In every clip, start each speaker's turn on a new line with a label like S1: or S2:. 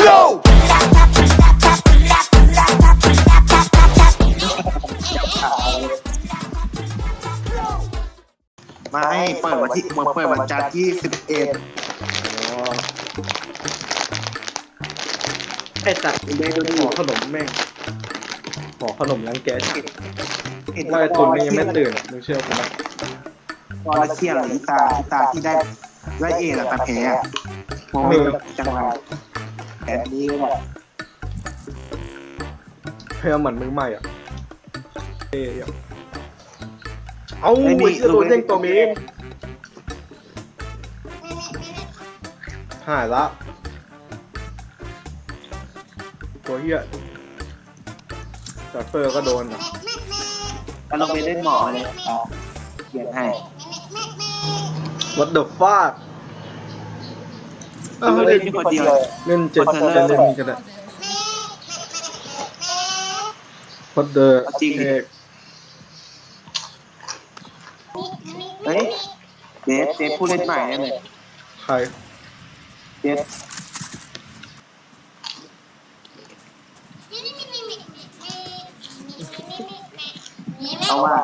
S1: flow
S2: ไม่เปิดวันที่เปิดวันจันทร์ที่11
S3: ไอ้สัตว์ขอขนมแม่งขอขนมรังแกว่าไอ้ตุนยังไม่ตื่นมึงเชื่อผมไหม
S2: ตอนเที่ยงอีตาที่ได้เอแล้วแต่แพ้มองจังหวะแพ้นี้ก็แบบ
S3: เพื่อเหมือนมือใหม่อ่ะเอาไอ้เจ้าตัวเด้งตัวมีหายละตัวเหี้ยจัดเฟอร์ก็โดนอ่ะ
S2: ก็ลงไปเล่นหมอเลยเขียนให้
S3: What the fuck
S2: เล่นคนเดียว
S3: เล่นเจ็ดจะเล่นกันอ่ะ What the heck
S2: เฮ้ยเดฟผู้เล่นใหม่เนี่ยเลย
S3: ใคร
S2: เดฟเอาว่า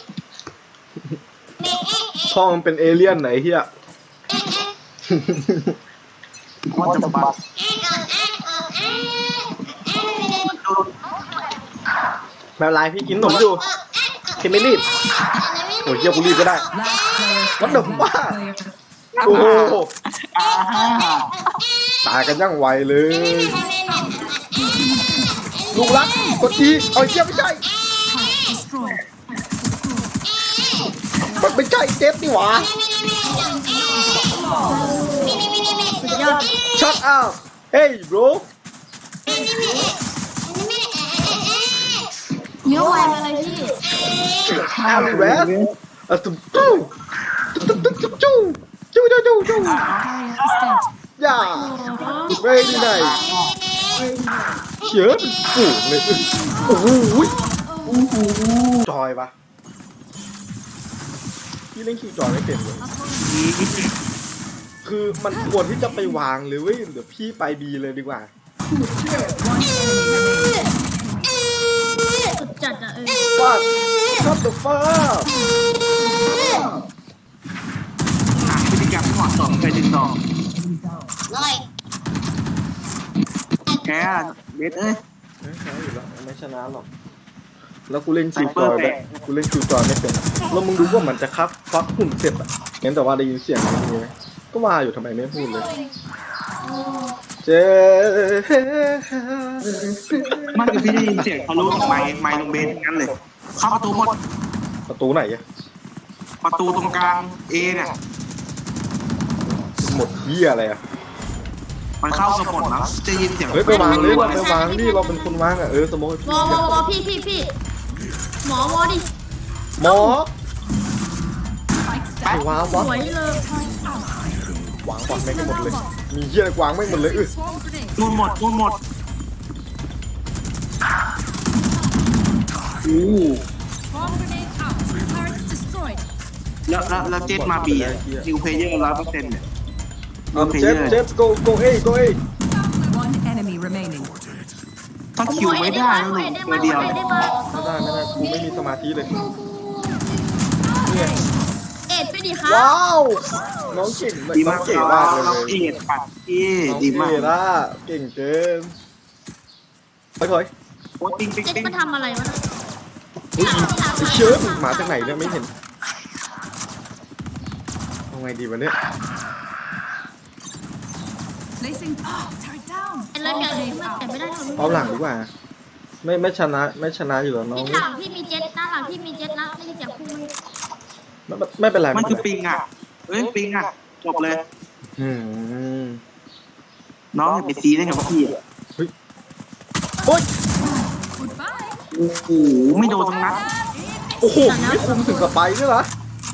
S3: พ่อมันเป็นเอเลี่ยนไหนเฮีย
S2: ว่าจะบัก
S3: ไม่เป็นไรพี่กินขนมอยู่พี่ไม่รีบโอ้ยเฮียกูรีบก็ได้ What the fuck โอ้โหตายกันยังไวเลยลูกรักกดทีเอาเชี่ยไม่ใช่มันไม่ใช่เจฟนี่หว่า Shut up Hey bro
S4: เนื้อวายมาเลยพี่
S3: Everywhere ตุ๊บตุ๊บตุ๊บตุ๊บตุ๊บจูจูจูจูจูย่า very nice เขียนฝูงเลยโอ้โหจอยปะพี่เล่นคิวจอยไม่เป็นเลยคือมันควรที่จะไปวางเลยเว้ยเดี๋ยวพี่ไปบีเลยดีกว่า
S4: สุดจัดอ่ะ
S3: ว่าชอบตัวฟ้า
S2: หาพฤติกรรมที่เหมาะสมไปติดต่อแกเบสเอ้ย
S3: ไม่ใช่อยู่แล้วไม่ชนะหรอกแล้วกูเล่นคิวจอยแบบกูเล่นคิวจอยไม่เป็นแล้วมึงดูว่ามันจะคับฟักหุ่นเสร็จอ่ะเห็นแต่ว่าได้ยินเสียงมันมีไหมก็ว่าอยู่ทำไมไม่พูดเลยเจ๊
S2: มันคือพี่ได้ยินเสียงเขารู้ไมค์ลงเบสงั้นเลยเข้าประตูหมด
S3: ประตูไหนอะ
S2: ประตูตรงกลางเอเนี่ย
S3: หมดเหี้ยอะไรอะ
S2: มันเข้าสมดแล้วจะยินเสียง
S3: เฮ้ยไปวางเลยเราไปวางดิเราเป็นคนวางอะสมมติ
S4: วอพี่หมอวอดิ
S3: หมอไปวาง
S4: ส
S3: วะ
S4: วยเลยว
S3: างก่อนไม่กันหมดเลยมีเหี้ยอะไรวางไม่หมดเลย
S2: นู่นหมดแล้วเจ็ดมาบีนิวเพลเยอร์100%เนี่ย
S3: เจ็บ go A
S2: ถ้าคิวไม่ได้แล้วหนูตัวเดียว
S3: ไม่ได้กูไม่มีสมาธิเลย
S4: เอ็ดไปดิครับ
S3: ว้าวน้องเก่ง
S2: ดี
S3: น้อ
S2: มาง ก
S3: เก่งมากเลย
S2: เราเอ็ดปัดดีมาก
S3: เก่งเกินไปถอย
S2: โอ้ติ้ง
S4: เจ็ดมันทำอะไรวะ
S3: ไอ้เชิร์ฟหมาจากไหนเนี่ยไม่เห็นเอาไงดีวะเนี่ย
S4: ไอ้เลิศกันแต่ไม่ได้ทำ
S3: เอาหลังดีกว่าไม่ชนะอยู่แล้วน้อง
S4: พี่หลังพี่มีเจ็ดหน้าหลังพี่มีเจ็ดนะได้ยินเสียงคุณ
S3: ไม่เป็นไร
S2: มันคือปิงอ่ะปิงอ่ะจบเลยน้องอย่าไปซีได้กับพี่อ่ะ
S3: โอ๊ย
S2: โอ้โหไม่โดนตรงนั้น
S3: โอ้โหไม่คุมถึงกับไปด้วยเหรอ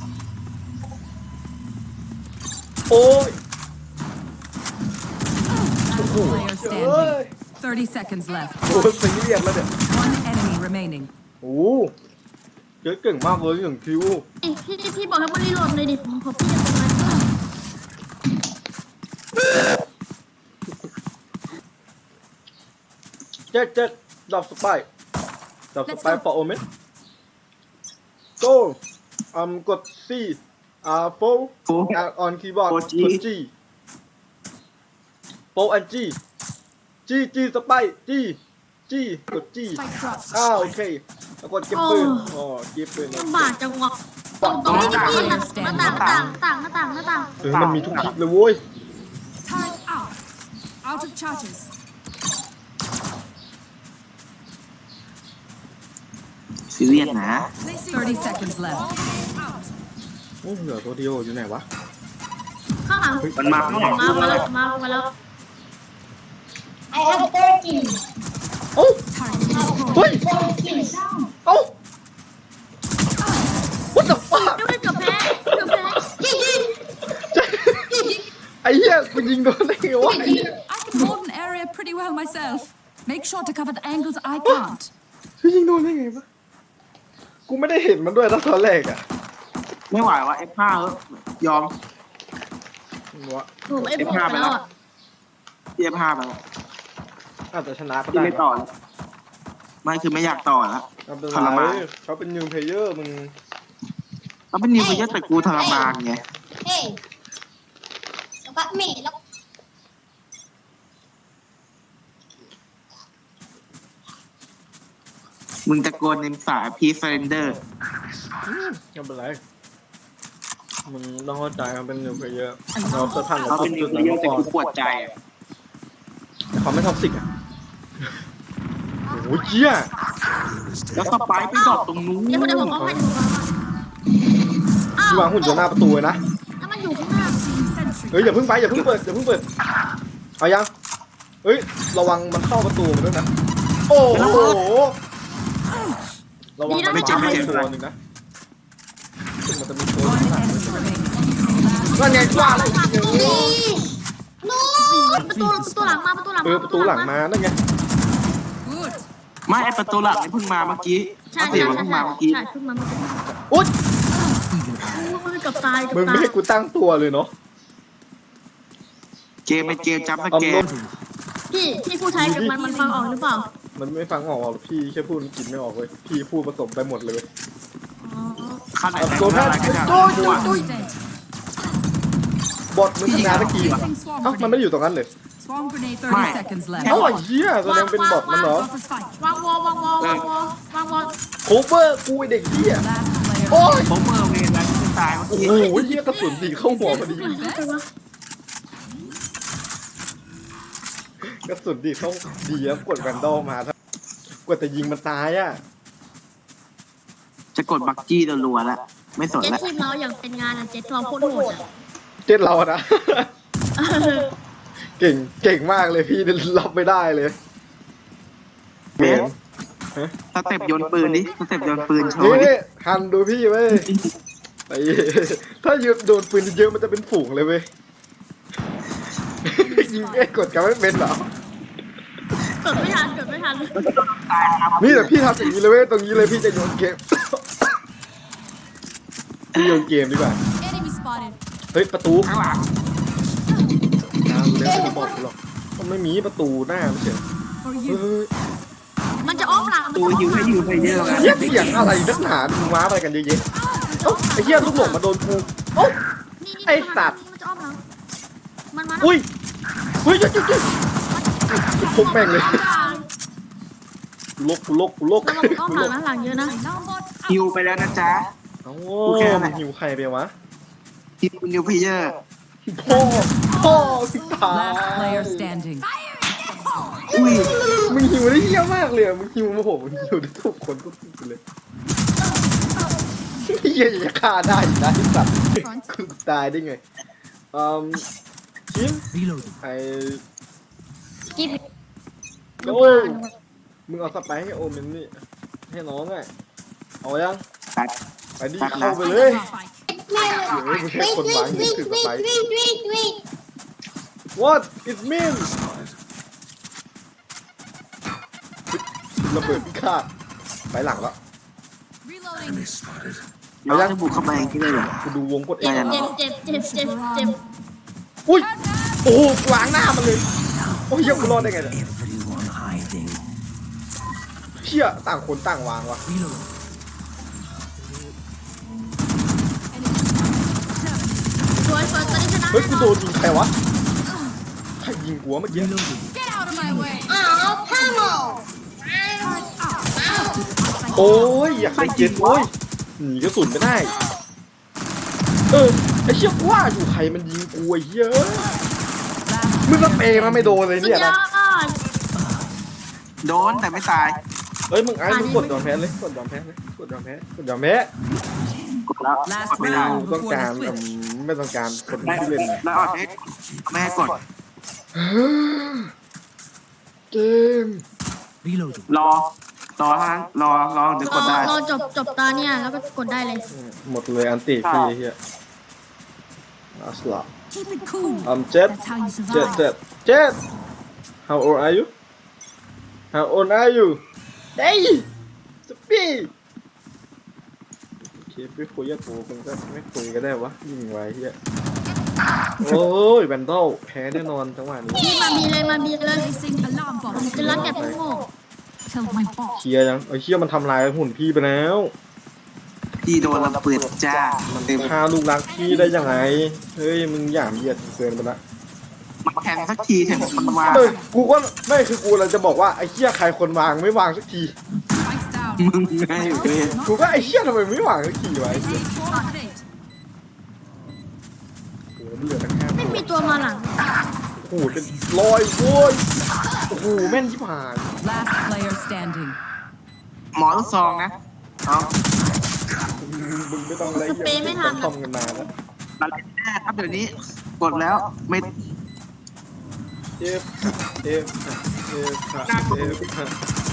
S3: โอ้ย
S5: 30 seconds left.
S3: โอ้ยซีเรียสแล้วเนี่ย
S5: One enemy remaining.
S3: โอ้เก่งมากเลยอย่างคิว
S4: พี่บอกให้มันรีโหลดเลยดิผมขอพี่จะทำอะไร
S3: เจ็ดดอกสไปร์ดอกสไปร์ for omen go กด C four
S2: โอ้
S3: on keyboard
S2: ก
S3: ก
S2: ด
S3: ด
S2: G
S3: G four and G สไปร์ G กด G โอเคแล้วกดเก็บปืนอ๋อเก็บปืน
S4: ลำบากจังวะตรงนี้ที่พี่หน้าต่าง
S3: มันมีทุกทิศเลยเว้ย
S5: Time out. Out of charges.
S2: ซีเรียสนะ
S5: 30 seconds left.
S3: โอ้เหลือตัวเดียวอยู่ไหนวะ
S4: ข้างหลัง
S2: มันมาข้างหลัง
S4: มาแล้ว
S1: I have 13.
S3: โอ้เฮ้ยโอ้ what the fuck
S4: เกือบแพ้
S3: ไอ้เหี้ยกูยิงโดนได้ไงวะ
S5: I can hold an area pretty well myself. Make sure to cover the angles I can't.
S3: กูยิงโดนได้ไงวะกูไม่ได้เห็นมันด้วยตอนแรกอะ
S2: ไม่ไหววะ F5 ยอม
S3: วะ
S4: ถูกไอ้พวกไปแล้วอ่ะ
S2: F5 ไปแล้ว
S3: อาจจะชนะก็
S2: ที่
S3: ได้
S2: ไม่ต่อแล้วไม่คือไม่อยากต่อแล้ว
S3: ไม่เป็น
S2: ทร
S3: ไร
S2: มาน
S3: เขาเป็นนิวเพลเยอร์มึง
S2: เขาเป็นนิวเพลเยอร์แต่กูทรมานไง
S1: Hey. Look at me. Look.
S2: มึงตะโกนในสายพีเซนเดอร์
S3: ไม่เป็นไรมึงต้องเข้าใจมันเป็นนิวเพลเยอร์เราจะผ่าน
S2: เขาเป็นนิ
S3: จุ
S2: ว
S3: ด
S2: เพล
S3: นั้น
S2: เยอ
S3: มา
S2: ร์แต่
S3: ก่อน
S2: กูปวดใจอะ
S3: แต่เขาไม่ท็อกซิกอะโอ้ยเจี๊ย
S2: แล้วสไปร์ไปดอกตรงนู้น
S4: เดี๋ยวผมให้ดูอ้าว
S3: ที่วางหุ่นอยู่หน้าประตูเลยนะ
S4: ถ้ามันอยู่ข้างหน้า
S3: เฮ้ยอย่าเพิ่งไปอย่าเพิ่งเปิดเอายังเฮ้ยระวังมันเข้าประตูมาด้วยนะโอ้โหระวังมันไม่จับตัวหนึ่งนะซึ่งมันจะมีตัว
S5: One enemy remaining.
S3: นั่นไงกว้าเลย
S4: ประตูหลังมา
S3: ประตูหลังมานั่นไง
S5: Good.
S2: ไม่ไอประตูหลักนี่เพิ่งมาเมื่อกี้
S4: ใช่
S2: เสียงมันเพิ่งมาเมื่อกี้
S4: ใช่ขึ้นมาเมื่อกี้
S3: อุ๊ย
S4: กับตาย
S3: มึงไม่ให้กูตั้งตัวเลยเนาะ
S2: เกมเป็นเกมจับส
S3: เอา
S2: แก
S3: ล้
S2: น
S3: ม
S4: พี่ผู้ใช้กับมันฟังออกหรือเปล่า
S3: มันไม่ฟังออกหรอกพี่แค่พูดมันกินไม่ออกเลยพี่พูดผสมไปหมดเลย
S4: อ๋อ
S2: ขนาด
S3: เอา
S2: ไหน
S3: ตัว
S2: ก็
S3: แพ
S2: ได้
S3: ทย์
S2: ก็ได้
S3: โอ้ย
S2: ตัว
S5: Dead.
S3: บทมึงชนะตะกี้วะ
S5: Using swarm
S3: เอ้ามันไม่
S5: grenade.
S3: อยู่ตรงนั้นเลย
S5: Swarm grenade.
S2: ไม่
S5: 30 seconds
S3: เอ้า
S5: left.
S3: ไอ้เหี้ยแสดงเป็นบทมันเหรอ
S5: Off a spike.
S4: วางวอล
S3: โคเวอร์กูไอเด็กเหี้ย
S5: Last player.
S3: โอ้ย
S2: ผมเมอร์เวนแล้วที่ตายเมื่อ
S3: โอ้
S2: กี้
S3: โหเหี้ยกระสุนตีเข้าหัวพอดีกระสุนตีเข้าดีแล้วกดแวนดอลมาถ้ากว่าจะยิงมันตายอ่ะ
S2: จะกดบักกี้รัวๆแล้วไม่สน
S4: เจ็ด
S2: แล้ว
S4: ทีมเราอย่างเป็นงานเจ็ดเราโคตรโหด
S3: เจ็ดเราอะนะ เก่งมากเลยพี่รับไม่ได้เลย
S2: เบสสเต็ปโยนปืนดิสเต็ปโยนปืนโชว์ดิ
S3: นี่ฮันดูพี่เว้ยไอ้ถ้ายืนโดนปืนเยอะมันจะเป็นฝูงเลยเว้ยยิงแค่กดกันไม่เป็นเหรอ
S4: เกิดไม่ทัน
S3: นี่แต่พี่ทำอย่างนี้เลยเว้ยตรงนี้เลยพี่จะโยนเกม พี่โยนเกมดีกว่า
S5: Enemy spotted.
S3: เฮ้ยประตู
S2: ข้างหลัง
S3: เร็วไม่บอกกูหรอกมันไม่มีประตูหน้าไม่ใช่
S5: For
S3: เฮ้
S5: you.
S3: ย
S4: มันจะอ้อมหลัง
S2: ตัวยิวให้ยิวเพลเยอร์กัน
S3: เหี้ยเสียงอะไรนักหนาดูม้าอะไรกันเยอะแยะเอ้าไอ้เหี้ยลูกหลงมาโดนกูเอ้า
S4: มันจะอ้อมหลังมันมา
S3: อุ้ยเฮ้ยจุ๊จุ๊ทุบแม่งเลยกูลก
S4: ระวังอ้อมหลังเยอะนะ
S5: Alarm bot
S2: ยิวไปแล้วนะจ๊ะ
S3: เอ้า
S2: กูแค่นั้นแหละ
S3: หิวใครไปวะ
S2: ยิวนิวเพลเยอร์
S3: พ่อสิตาย
S5: Last player standing.
S2: อุ้ย
S3: มึงหิวได้เยี่ยมากเลยอะมึงหิวมาโหมึงหิวได้ทุกคนก็สุดเลยเฮียจะฆ่าได้อยู่นะไอ้สัตว์กูตายได้ไงชิมไอ้
S4: กิ๊บ
S3: โอ้ยมึงเอาสไปร์ให้โอเมนนี่ให้น้องอ่ะเอายัง
S2: ตัด
S3: ไปดิเข้าไปเลย
S1: Wait.
S3: What it mean ระเบิดพิฆาตไปหลังแล้ว
S5: Reloading.
S2: เราจะบุกเข้าไปอย่างนี้เลยเหรอ
S3: กูดูวงกดเอ
S4: เจ็
S3: ง
S4: บเจ็บ
S3: อุ้ยโอ้โหล้างหน้ามันเลยโอ้ยยังกูรอดได้ไงเนี่ยเชี่ยต่างคนต่างวางวะ
S4: Reload.
S1: สวยเฟิร์สตอนนี้ชนะ
S3: เฮ้ยกูโดนยิงใครวะใครยิงหัวเมื่อกี้
S4: Reloading.
S5: Get out of my way.
S1: อ้าวพ่อหมอ
S3: โอ้ยอยากได้เจ็ตโอ้ยหนีกระสุนไม่ได้ไอ้เชี่ยกูว่าอยู่ใครมันยิงกูไอ้เหี้ย มึงก็เปย์มาไม่โดนเลย
S1: สุด
S3: เนี่ย
S1: ยอ
S3: นะ
S1: ด
S2: โดนแต่ไม่ตาย
S3: เฮ้ยมึงไอ้มึงกดยอมแพ้เลยกดยอมแพ้เลยกดยอมแพ้กดยอมแพ้
S2: กดแล้ว
S4: Last
S2: กดไม่ได้
S4: round
S3: ต้อง
S4: before
S3: การ
S4: the switch.
S3: ไม่ต้องการคน
S2: ได้
S3: ที่เล่น
S2: แล้วออกเอ็กไม่ให้กด
S3: เกม
S4: Reloading.
S2: รอเท่านั้นรอเดี๋ยวกดได้
S1: รอจบตาเนี่ยแล้วก็กดได้เลย
S3: หมดเลยอันติพี่เฮียอัสละ
S5: Keep it cool.
S3: เจ็ด
S5: That's how you
S3: เจ็ด
S5: survive.
S3: เจ็ดเจ็ด How old are you How old are you เฮ้ยสปีโอเคไม่คุยกับกูมึงก็ไม่คุยก็ได้วะยิงไว้เฮียโอ้ยแบนดอลแพ้แน่นอนจังหวะนี้
S1: พี่มาบีเลย
S5: Placing alarm
S1: ผม
S5: bomb.
S1: จะรัดแกพวกโง่
S5: Kill my bot.
S3: เคลียร์ยังไอ้เชี่ยมันทำลายหุ่นพี่ไปแล้ว
S2: พี่โดนระเบิดจ้ามันเต็ม
S3: ฆ่าลูกรักพี่ได้ยังไงเฮ้ยมึงหยามเหยียดเกินไปละ
S2: มาแข่งสักทีเถอะมันมา
S3: เฮ้ยกูก็ไม่คือกูเราจะบอกว่าไอ้เชี่ยใครคนวางไม่วางสักที
S5: Spikes down.
S2: มึงไงเว้ย
S3: กูก็ไอ้เชี่ยทำไมไม่วางสักทีวะไอ้เชี่ย
S5: Swarm grenade.
S3: โอ้โหเหลือตั้งห้า
S1: ไม่
S3: ตัว
S1: มีตัวมาหลัง
S3: โอ้โหเป็นร้อยโว้ยโอ้โหแม่นที่ผ่าน
S4: Last player standing.
S2: หมอลูกซองนะเอา
S3: มึงไม่ต้องอะไรเยอะทำกันมาแล้ว
S2: อะไรแน่ครับเดี๋ยวนี้กดแล้วไม่
S3: เอฟเอฟเอฟเอฟ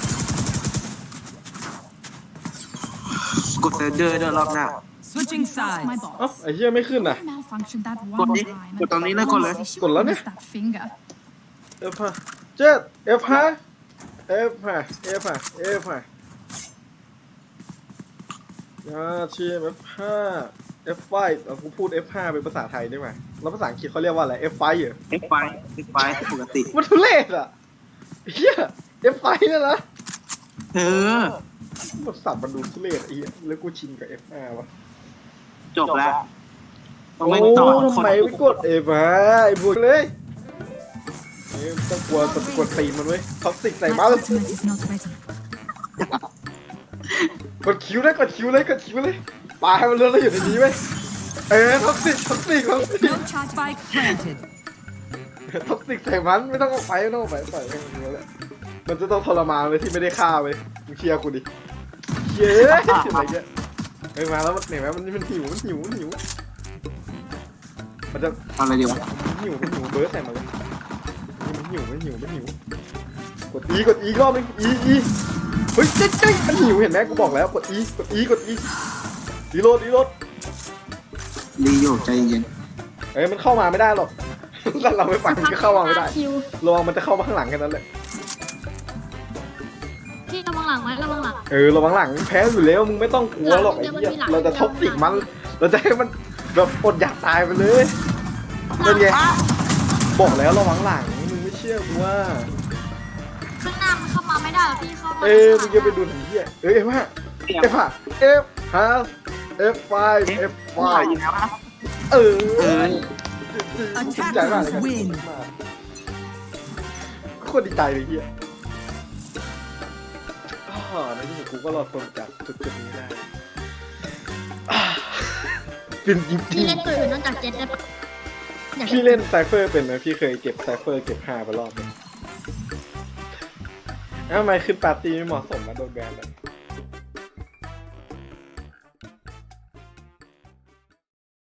S2: กดเซอร์เจอร์ด้วยรอบหน้า
S4: Switching
S5: That's my
S4: sides.
S3: เอ้า
S5: boss.
S3: ไอ้เชี่ยไม่ขึ้นอ่ะ
S5: I malfunctioned that one
S2: Gột đi,
S5: time.
S2: gột tao nghĩ nó gột lên.
S5: Honestly, she
S3: Gột lên
S5: wouldn't
S3: đi.
S5: miss that finger.
S3: เอฟห้าเจ็ดเอฟห้าเอฟห้าเอฟห้าเอฟห้ายาชีเอฟห้าเอฟไฟเราพูด F5 เป็นภาษาไทยได้ไหมแล้วภาษาอังกฤษเขาเรียกว่าอะไร F5 เหรอ
S2: เอ็กไฟปกติ
S3: มันทุเรศอ่ะเฮีย F5 เนี่ยนะ
S2: เออ
S3: มันสับมันดูทุเรศไอ้เหี้ยแล้วกูชินกับ F5 วะ
S2: จบแล้วต้อง
S3: โอ้
S2: ไม่ต่อค
S3: ทำ
S2: น
S3: ไมไม่กด F5 ไอ้บุญเลยเอ้ยต้องกลัวกดตีมันเว้ยท็อกซิกใส่
S5: My
S3: บ้า
S5: ultimate is not ready.
S3: กดคิวเลยกดคิวเลยกดคิวเลยปลาให้มันเลื่อนแล้วอยู่ในนี้เว้ยท็อกซิก
S4: No charge spike planted.
S3: ท็อกซิกใส่มันไม่ต้องออกไปไม่ต้องออกไปปล่อยให้มันเนี้ยแหละมันจะต้องทรมานเลยที่ไม่ได้ฆ่าเว้ยมึงเชียร์กูดิเย้อะไรเงี้ยเฮ้ยมาแล้วมันเห็นไหมมันหิวมันจะ
S2: อะไรดีวะ
S3: มันหิวเบิร์ดใส่มาเลยมันหิวกดอีกรอบนึงอีเฮ้ยเจ๊มันหิวเห็นไหมกูบอกแล้วกดอีรีโหลด
S2: รีอยู่ใจเย็น
S3: เฮ้ยมันเข้ามาไม่ได้หรอกถ้าเราไม่ไปมันก็เข้ามาไม่ได้
S1: คิว
S3: ระวังมันจะเข้ามาข้างหลังแค่นั้นแหละ
S1: พี่ระวังหลังไว้ระวังหลัง
S3: ระวังหลังแพ้อยู่แล้วมึงไม่ต้องกลัวหรอกไอ้เหี้ยเราจะท็อกซิกมันเราจะให้มันแบบอดอยากตายไปเลยเป็นไงบอกแล้วระวังหลังมึงไม่เชื่อกูว่า
S1: ข้างหน้ามันเข้ามาไม่ได้หรอกพี่เข้ามา
S3: มึงจะไปดูถึงเหี้ยF5 F5
S2: ว่าอยู่แล้วนะ
S3: ใจมากเลยโคตรดีใจเลยเหี้ยในที่สุดกูก็รอดพ้นจากจุดนี้ได้เป็นจริ
S1: พี่
S3: ง
S1: เล่นตัวอื่นนอกจากเจ็ตได้ปะ
S3: ๆพี่เล่นไซเฟอร์เป็นไหมพี่เคยเก็บไซเฟอร์เก็บ5ไปรอบนึงทำไมขึ้นปาร์ตี้ไม่เหมาะสมมาโดนแบนเลย